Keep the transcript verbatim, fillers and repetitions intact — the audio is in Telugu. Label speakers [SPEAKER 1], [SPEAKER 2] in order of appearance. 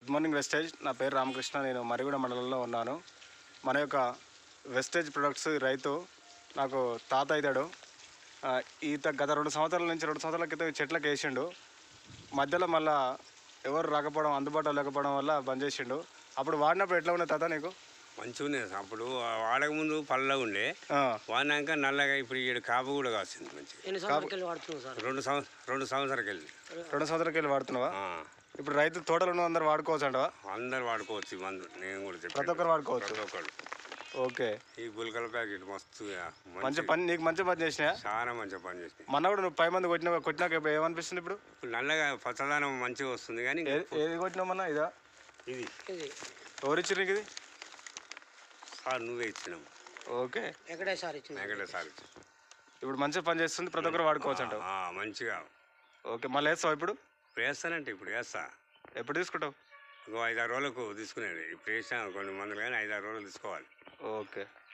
[SPEAKER 1] Good morning wastage. నా పేరు రామకృష్ణ. నేను మరిగూడ మండలంలో ఉన్నాను. మన యొక్క వెస్టేజ్ ప్రొడక్ట్స్ రైతు నాకు తాత అవుతాడు. ఈత గత రెండు సంవత్సరాల నుంచి రెండు సంవత్సరాల క్రితం చెట్లకు వేసిండు. మధ్యలో మళ్ళీ ఎవరు రాకపోవడం, అందుబాటులో లేకపోవడం వల్ల బంద్ చేసిండు. అప్పుడు వాడినప్పుడు ఎట్లా ఉండే తాత నీకు?
[SPEAKER 2] మంచిగా ఉంది. అప్పుడు వాడక ముందు పళ్ళగా ఉండే, వాడినాక నల్లగా ఇప్పుడు ఈ కాపు కూడా కాసింది మంచిగా. రెండు సంవత్సరం రెండు సంవత్సరాలకి వెళ్ళి
[SPEAKER 1] రెండు సంవత్సరాలకి వెళ్ళి వాడుతున్నావా? ఇప్పుడు రైతు తోటలు ఉన్న అందరు వాడుకోవచ్చు అంటవా?
[SPEAKER 2] అందరు వాడుకోవచ్చు. మందు నేను కూడా చెప్పి
[SPEAKER 1] ప్రతి ఒక్కరు వాడుకోవచ్చు.
[SPEAKER 2] ప్రతి ఒక్కరు.
[SPEAKER 1] ఓకే.
[SPEAKER 2] ఈ గుల్కల ప్యాకెట్ మస్తు
[SPEAKER 1] మంచి పని, నీకు మంచి పని చేసినా.
[SPEAKER 2] చాలా మంచి పని చేసినాయి.
[SPEAKER 1] మన కూడా నువ్వు పై మంది కొట్టినా కొట్టినాక ఏమనిపిస్తుంది ఇప్పుడు?
[SPEAKER 2] ఇప్పుడు నల్లగా పచ్చదనం మంచిగా వస్తుంది. కానీ
[SPEAKER 1] ఏది కొట్టినామన్నా? ఇదా?
[SPEAKER 2] ఇది
[SPEAKER 1] ఎవరిచ్చి నీకు ఇది?
[SPEAKER 2] సార్ నువ్వే ఇచ్చినావు.
[SPEAKER 1] ఓకే.
[SPEAKER 2] ఎక్కడే సార్ ఇచ్చిన ఎక్కడే సార్ ఇచ్చిన
[SPEAKER 1] ఇప్పుడు మంచిగా పని చేస్తుంది, ప్రతి ఒక్కరు వాడుకోవచ్చు అంటావు?
[SPEAKER 2] మంచిగా.
[SPEAKER 1] ఓకే. మళ్ళీ వేస్తావు ఇప్పుడు?
[SPEAKER 2] వేస్తానంటే ఇప్పుడు వేస్తా.
[SPEAKER 1] ఎప్పుడు తీసుకుంటావు?
[SPEAKER 2] ఇంకో ఐదారు రోజులకు తీసుకునేది. ఇప్పుడు వేసినా కొన్ని మందులు కానీ ఐదారు రోజులు తీసుకోవాలి.
[SPEAKER 1] ఓకే.